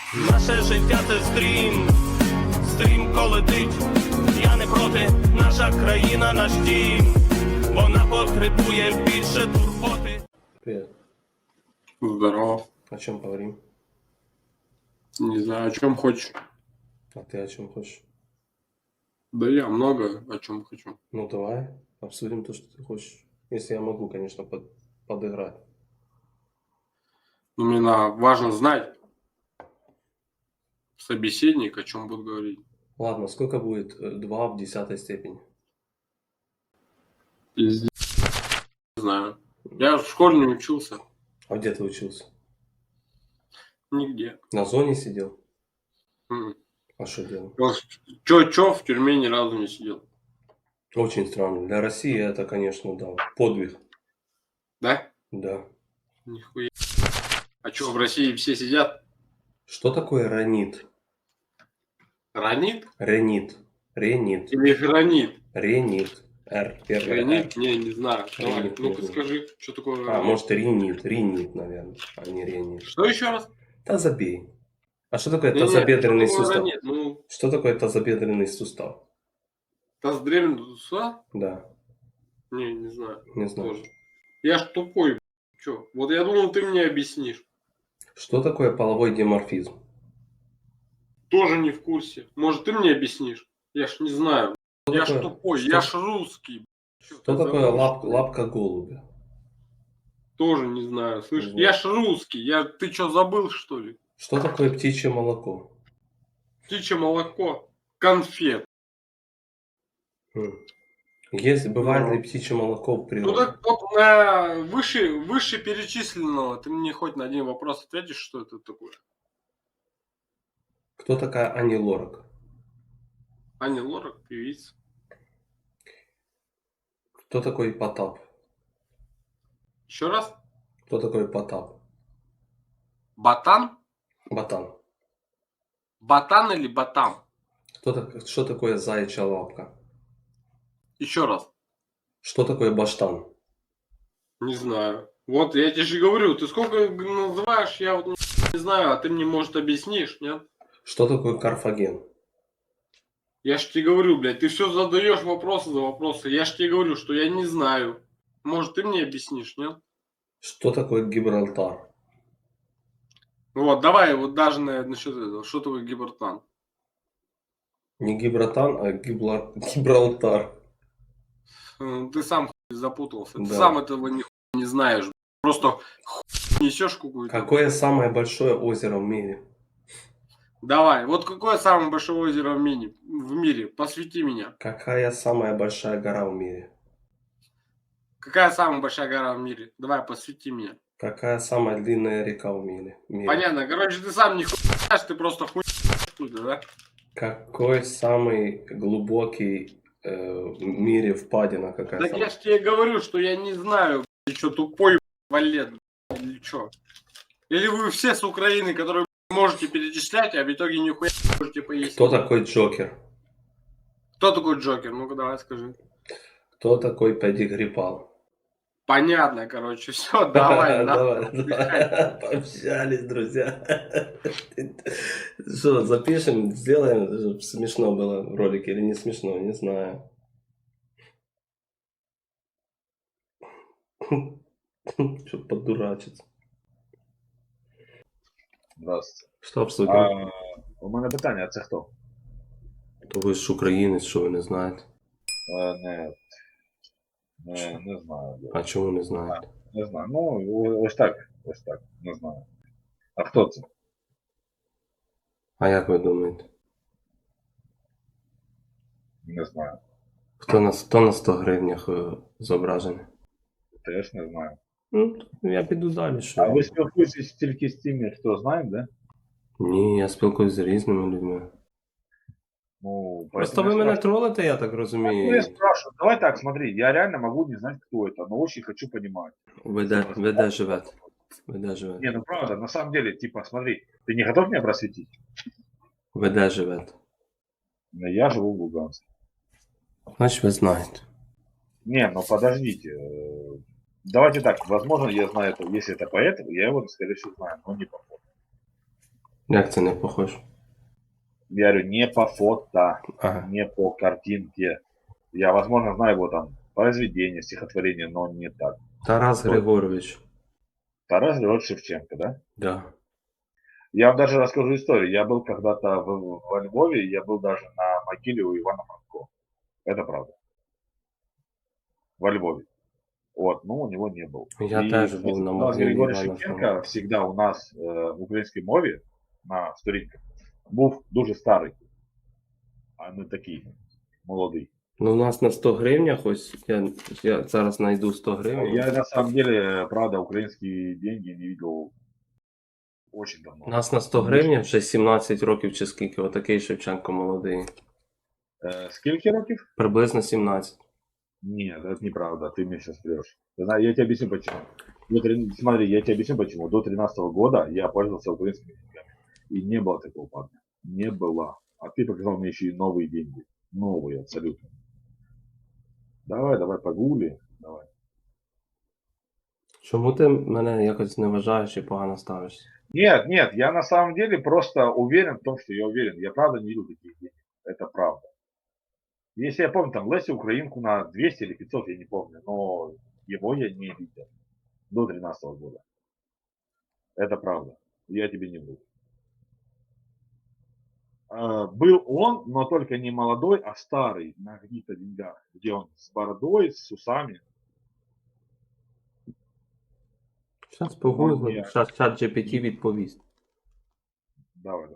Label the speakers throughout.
Speaker 1: Наше життя це стрім, стрімко летить. Я не проти, наша країна, наш дім. Вона потребує більше турботи.
Speaker 2: Привет.
Speaker 3: Здорово.
Speaker 2: О чем поговорим?
Speaker 3: Не знаю, о чем хочешь.
Speaker 2: А ты о чем хочешь?
Speaker 3: Да я много о чем хочу.
Speaker 2: Ну давай обсудим то, что ты хочешь. Если я могу, конечно, подыграть.
Speaker 3: Но мне важно знать собеседник, о чем будет говорить.
Speaker 2: Ладно, сколько будет 2 в 10 степени?
Speaker 3: Пиздец. Не знаю. Я в школе не учился.
Speaker 2: А где ты учился?
Speaker 3: Нигде.
Speaker 2: На зоне сидел?
Speaker 3: М.
Speaker 2: А что делал?
Speaker 3: Чё, в тюрьме ни разу не сидел.
Speaker 2: Очень странно. Для России это, конечно, да, подвиг.
Speaker 3: Да?
Speaker 2: Да.
Speaker 3: Нихуя. А что, в России все сидят?
Speaker 2: Что такое ранит?
Speaker 3: Ранит?
Speaker 2: Ренит. Ренит.
Speaker 3: Или гранит?
Speaker 2: Ренит. Р. Первое Р.
Speaker 3: Гранит? Не знаю. Давай,
Speaker 2: Ренит,
Speaker 3: ну-ка
Speaker 2: не
Speaker 3: скажи, что такое
Speaker 2: А,
Speaker 3: гранит?
Speaker 2: может ринит. Ринит, наверное, а не ренит.
Speaker 3: Что еще раз?
Speaker 2: Да забей. А что такое
Speaker 3: Не-не,
Speaker 2: тазобедренный
Speaker 3: что такое
Speaker 2: сустав?
Speaker 3: гранит? Ну,
Speaker 2: Что такое тазобедренный сустав?
Speaker 3: таздревный сустав?
Speaker 2: Да,
Speaker 3: Не знаю.
Speaker 2: не знаю.
Speaker 3: Тоже. Я ж тупой. Чё? Вот я думал, ты мне объяснишь.
Speaker 2: Что такое половой диморфизм?
Speaker 3: Тоже не в курсе. Может, ты мне объяснишь? Я ж не знаю. Я ж
Speaker 2: такое-
Speaker 3: тупой,
Speaker 2: что-
Speaker 3: я ж русский. Чё,
Speaker 2: Что
Speaker 3: ты
Speaker 2: такое
Speaker 3: забыл,
Speaker 2: лапка,
Speaker 3: что ли?
Speaker 2: лапка голубя?
Speaker 3: Тоже не знаю. Слышь,
Speaker 2: Не знаю.
Speaker 3: я ж русский. Ты что, забыл, что ли?
Speaker 2: Что такое птичье молоко?
Speaker 3: Птичье молоко. Конфет.
Speaker 2: Есть, бывает
Speaker 3: Ну.
Speaker 2: ли птичье молоко в
Speaker 3: Ну
Speaker 2: природе?
Speaker 3: так вот на выше перечисленного ты мне хоть на один вопрос ответишь, что это такое?
Speaker 2: Кто такая Ани Лорак?
Speaker 3: Ани Лорак, певица.
Speaker 2: Кто такой Потап?
Speaker 3: Еще раз?
Speaker 2: Кто такой Потап?
Speaker 3: Ботан?
Speaker 2: Ботан.
Speaker 3: Ботан или ботан?
Speaker 2: Что такое заячья лапка?
Speaker 3: Еще раз.
Speaker 2: Что такое баштан?
Speaker 3: Не знаю. Вот я тебе же говорю, ты сколько называешь, я вот не знаю, а ты мне, может, объяснишь, нет?
Speaker 2: Что такое карфаген?
Speaker 3: Я ж тебе говорю, блядь, ты все задаешь вопросы за вопросы. Я ж тебе говорю, что я не знаю. Может, ты мне объяснишь, нет?
Speaker 2: Что такое Гибралтар?
Speaker 3: Ну вот, давай, вот даже насчет этого. Что такое Гибралтар?
Speaker 2: Не Гибратан, а Гибралтар.
Speaker 3: Ты сам запутался. Ты
Speaker 2: Да.
Speaker 3: сам этого не знаешь. Просто несешь какую-то.
Speaker 2: Какое самое большое озеро в мире?
Speaker 3: Давай, вот какое самое большое озеро в мире? Посвяти меня.
Speaker 2: Какая самая большая гора в мире?
Speaker 3: Какая самая большая гора в мире? Давай, посвяти меня.
Speaker 2: Какая самая длинная река в мире?
Speaker 3: Понятно. Короче, ты сам не знаешь, ты просто хуй да?
Speaker 2: Какой самый глубокий в мире впадина? Какая
Speaker 3: Так
Speaker 2: самая?
Speaker 3: я ж тебе говорю, что я не знаю, ты что, тупой валет, или что? Или вы все с Украины, которые можете перечислять, а в итоге нихуя не можете пояснить.
Speaker 2: Кто такой Джокер?
Speaker 3: Кто такой Джокер? Ну-ка давай скажи.
Speaker 2: Кто такой Педигрипал?
Speaker 3: Понятно, короче, все, давай,
Speaker 2: Давай. Пообщались, друзья. Что, запишем, сделаем, чтобы смешно было в ролике или не смешно, не знаю. Что подурачиться.
Speaker 4: Здравствуйте.
Speaker 2: Що обслуговує?
Speaker 4: У мене питання, а це хто?
Speaker 2: То ви ж українець, що ви не знаєте.
Speaker 4: Не знаю.
Speaker 2: А чому не знаєте?
Speaker 4: Не знаю. Ну, ось так, не знаю. А хто це?
Speaker 2: А як ви думаєте?
Speaker 4: Не знаю.
Speaker 2: Хто на 100 гривнях зображений?
Speaker 4: Теж не знаю.
Speaker 2: Ну, я піду далі. Що?
Speaker 4: А ви спілкуєтесь тільки з тими, хто знає, да?
Speaker 2: Ні, я спілкуюсь з різними людьми.
Speaker 4: Ну,
Speaker 2: Просто
Speaker 4: поэтому
Speaker 2: ви
Speaker 4: я
Speaker 2: мене
Speaker 4: спрашиваю.
Speaker 2: тролите, я так
Speaker 4: Ну,
Speaker 2: розумію.
Speaker 4: я спрашиваю. Давай так, смотри, я реально могу не знать, кто это, но очень хочу понимать.
Speaker 2: Ви де живете? Ви де живете?
Speaker 4: Не, ну правда, на самом деле, типа, смотри, ты не готов меня просветить?
Speaker 2: Ви де живете?
Speaker 4: Ну, я живу в Луганске.
Speaker 2: Значить, ви знаєте.
Speaker 4: Не, ну подождите. Давайте так, возможно, я знаю, если это поэт, я его, скорее всего, знаю, но не по фото.
Speaker 2: Як це не похож?
Speaker 4: Я говорю, не по фото,
Speaker 2: Ага.
Speaker 4: не по картинке. Я, возможно, знаю его там произведение, стихотворение, но не так.
Speaker 2: Тарас
Speaker 4: Кто?
Speaker 2: Григорович.
Speaker 4: Тарас Григорьевич Шевченко, да?
Speaker 2: Да.
Speaker 4: Я вам даже расскажу историю. Я был когда-то во Львове, я был даже на могиле у Ивана Франко. Это правда. Во Львове. Вот, но у него не был.
Speaker 2: Я
Speaker 4: И,
Speaker 2: теж був
Speaker 4: знаете,
Speaker 2: на
Speaker 4: Тарас
Speaker 2: могилі
Speaker 4: Григорьевич
Speaker 2: Івана
Speaker 4: Шевченко
Speaker 2: Франка.
Speaker 4: всегда у нас в українській мові на сторінках був дуже старий, а не такий молодий.
Speaker 2: Ну, у нас на 100 гривнях, ось я зараз знайду 100 гривень.
Speaker 4: Я на самом деле, правда, украинские деньги не видел очень давно.
Speaker 2: У нас на 100 гривнях вже 17 років чи скільки, отакий Шевченко молодий.
Speaker 4: Сколько років?
Speaker 2: Приблизно 17.
Speaker 4: Нет, это неправда, ты мне сейчас врешь. Я тебе объясню почему. Смотри, я тебе объясню почему. До 13 года я пользовался украинскими деньгами. И не было такого парня. Не было. А ты показал мне еще и новые деньги. Новые абсолютно. Давай, погули. Давай.
Speaker 2: Чому ти мене якось не вважаєш і погано ставишся?
Speaker 4: Нет, я на самом деле просто уверен в том, что я уверен. Я правда не видел таких денег. Это правда. Если я помню, там Леся Украинку на 200 или 500, я не помню, но его я не видел до 13 года. Это правда. Я тебе не вру. Был он, но только не молодой, а старый, на каких-то деньгах, где он с бородой, с усами.
Speaker 2: Зараз погуглю,
Speaker 4: Ні.
Speaker 2: зараз чат GPT відповість.
Speaker 4: Давай.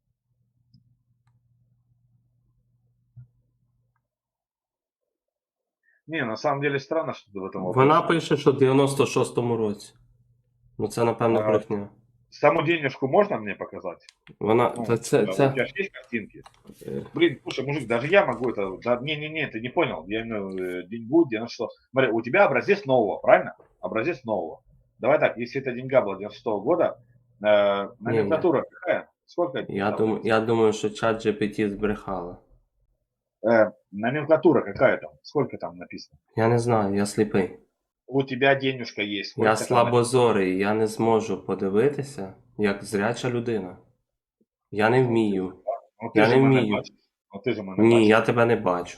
Speaker 4: Не, на самом деле странно, что ты в этом
Speaker 2: Вона
Speaker 4: вопросе.
Speaker 2: пише, що в 96-му році. Ну це, напевно,
Speaker 4: А,
Speaker 2: брехня.
Speaker 4: Саму денежку можно мне показать?
Speaker 2: Вона.
Speaker 4: Ну,
Speaker 2: Та
Speaker 4: У тебя
Speaker 2: це.
Speaker 4: же есть картинки?
Speaker 2: Е,
Speaker 4: Блин, слушай, мужик, даже я могу это... Не, ты не понял. Я имею в виду, деньгу 96. Смотри, у тебя образец нового, правильно? Образец нового. Давай так, если эта деньга была 96 года, номенклатура какая? Сколько?
Speaker 2: Я думаю, що чат GPT збрехала.
Speaker 4: Номенклатура какая там? Сколько там написано?
Speaker 2: Я не знаю, я сліпий.
Speaker 4: У тебя денежка есть.
Speaker 2: Я
Speaker 4: сколько там
Speaker 2: слабозорий, я не зможу подивитися, як зряча людина. Я не вмію.
Speaker 4: написано? Ну,
Speaker 2: Я
Speaker 4: ти
Speaker 2: не
Speaker 4: ж мене
Speaker 2: вмію.
Speaker 4: бачиш. Ну, ти ж мене
Speaker 2: Ні,
Speaker 4: бачиш.
Speaker 2: я тебе не бачу.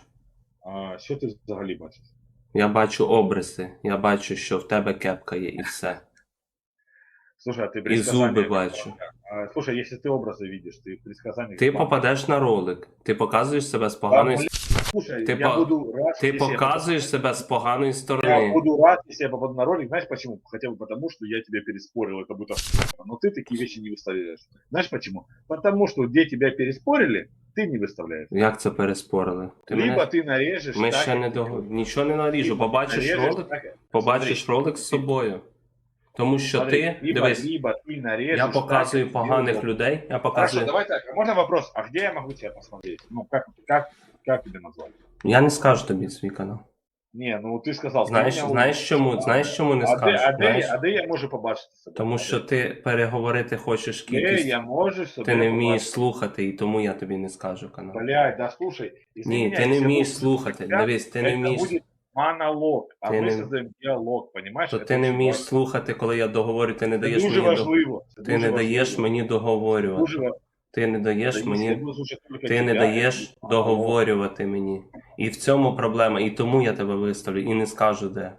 Speaker 4: Що ти взагалі бачиш?
Speaker 2: Я бачу обриси, я бачу, що в тебе кепка є і все.
Speaker 4: Слушай, а ты
Speaker 2: І
Speaker 4: предсказания...
Speaker 2: зуби бачу.
Speaker 4: Слушай, если ты образы видишь, ты предсказания...
Speaker 2: Ти попадеш на ролик, ти показуєш себе з поганої
Speaker 4: Слушай,
Speaker 2: Ты
Speaker 4: я
Speaker 2: по-
Speaker 4: буду рад,
Speaker 2: Ти
Speaker 4: если я
Speaker 2: показуєш себе з поганої
Speaker 4: Я
Speaker 2: сторони.
Speaker 4: буду рад, если я попаду на ролик. Знаешь почему? Хотя бы потому, что я тебя переспорил, это будет но ты такие вещи не выставляешь. Знаешь почему? Потому что где тебя переспорили, ты не выставляешь.
Speaker 2: Як це переспорили? Ти
Speaker 4: Либо
Speaker 2: мене...
Speaker 4: ты нарежешь...
Speaker 2: Ми
Speaker 4: так,
Speaker 2: ще
Speaker 4: как
Speaker 2: не
Speaker 4: ты
Speaker 2: до...
Speaker 4: хочешь.
Speaker 2: Нічого не наріжу.
Speaker 4: Либо
Speaker 2: Побачиш
Speaker 4: нарежешь
Speaker 2: ролик,
Speaker 4: так,
Speaker 2: побачиш
Speaker 4: смотри,
Speaker 2: ролик з собою. Тому що
Speaker 4: смотри,
Speaker 2: ти, дивись,
Speaker 4: либо ты нарежешь...
Speaker 2: я показую
Speaker 4: так, как
Speaker 2: поганих
Speaker 4: тебе
Speaker 2: людей, я
Speaker 4: удобно.
Speaker 2: показую...
Speaker 4: Хорошо, давай так. А можно вопрос? А где я могу тебя посмотреть? Ну, как тебя назвать?
Speaker 2: Я не скажу тобі свій канал.
Speaker 4: Не, ну ты сказал...
Speaker 2: Знаєш чому не скажу? Знаєш?
Speaker 4: А де я можу побачити себе?
Speaker 2: Тому що ти переговорити хочеш
Speaker 4: Де
Speaker 2: кількість,
Speaker 4: я можу себе
Speaker 2: ти не вмієш
Speaker 4: побачити?
Speaker 2: слухати, і тому я тобі не скажу канал.
Speaker 4: Блядь, да слушай.
Speaker 2: Ні,
Speaker 4: извиняюсь,
Speaker 2: ти не
Speaker 4: я
Speaker 2: вмієш
Speaker 4: буду-
Speaker 2: слухати. Дивись, ти не
Speaker 4: Это
Speaker 2: вмієш.
Speaker 4: будет монолог, а
Speaker 2: Ти
Speaker 4: мы
Speaker 2: не-
Speaker 4: создаем диалог, понимаешь?
Speaker 2: То
Speaker 4: Это
Speaker 2: ти не
Speaker 4: очень
Speaker 2: вмієш
Speaker 4: важно.
Speaker 2: слухати, коли я договорю, ти не
Speaker 4: Це
Speaker 2: даєш
Speaker 4: дуже
Speaker 2: мені
Speaker 4: важливо. Це
Speaker 2: ти
Speaker 4: дуже
Speaker 2: не даєш
Speaker 4: важливо.
Speaker 2: мені договорювати.
Speaker 4: Дуже важливо.
Speaker 2: Ти не даєш
Speaker 4: Якщо я
Speaker 2: мені.
Speaker 4: буду слухати тільки
Speaker 2: Ти не
Speaker 4: тебе,
Speaker 2: даєш
Speaker 4: це буде монолог.
Speaker 2: договорювати мені. І в цьому проблема. І тому я тебе виставлю і не скажу де.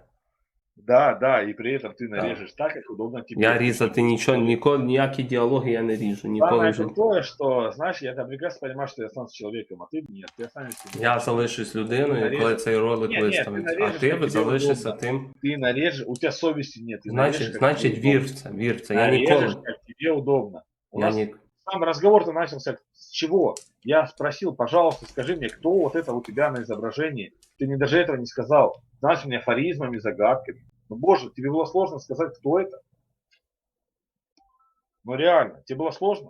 Speaker 4: Да, и при этом ты нарежешь так, как удобно тебе.
Speaker 2: Я різати нічого, ніколи, ніякі діалоги я не ріжу. Ніколи
Speaker 4: Самое
Speaker 2: вже.
Speaker 4: крутое, что, знаешь, я там прекрасно понимаю, что я останусь человеком, а ты нет, ты останешься.
Speaker 2: Я залишусь людиною, коли цей ролик
Speaker 4: Ні, ти
Speaker 2: виставить. А
Speaker 4: наріжеш,
Speaker 2: ти
Speaker 4: як тобі
Speaker 2: залишишся
Speaker 4: удобно.
Speaker 2: тим.
Speaker 4: Ты нарежешь, у тебя совести нет. Ты нарежешь, как
Speaker 2: Значить,
Speaker 4: тебе
Speaker 2: вір
Speaker 4: удобно.
Speaker 2: в це, вір в це. Я
Speaker 4: Нарежешь,
Speaker 2: ніколи.
Speaker 4: как тебе удобно. У
Speaker 2: Я
Speaker 4: нас
Speaker 2: ні...
Speaker 4: сам разговор-то начался с чего? Я спросил, пожалуйста, скажи мне, кто вот это у тебя на изображении? Ты мне даже этого не сказал. Знаешь, мне афоризмами, загадками. Ну, боже, тебе было сложно сказать, кто это? Ну, реально, тебе было сложно?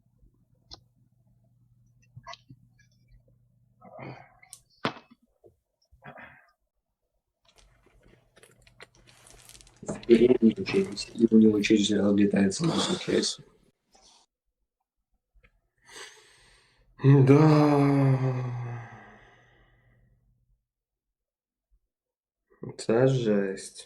Speaker 5: Деревне учились, и у него через летается на случайся.
Speaker 2: Да. Це жесть.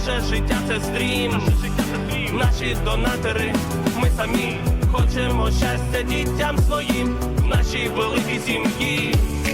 Speaker 1: Наше життя це стрім, наші донатори, ми самі хочемо щастя дітям своїм, в нашій великій сім'ї.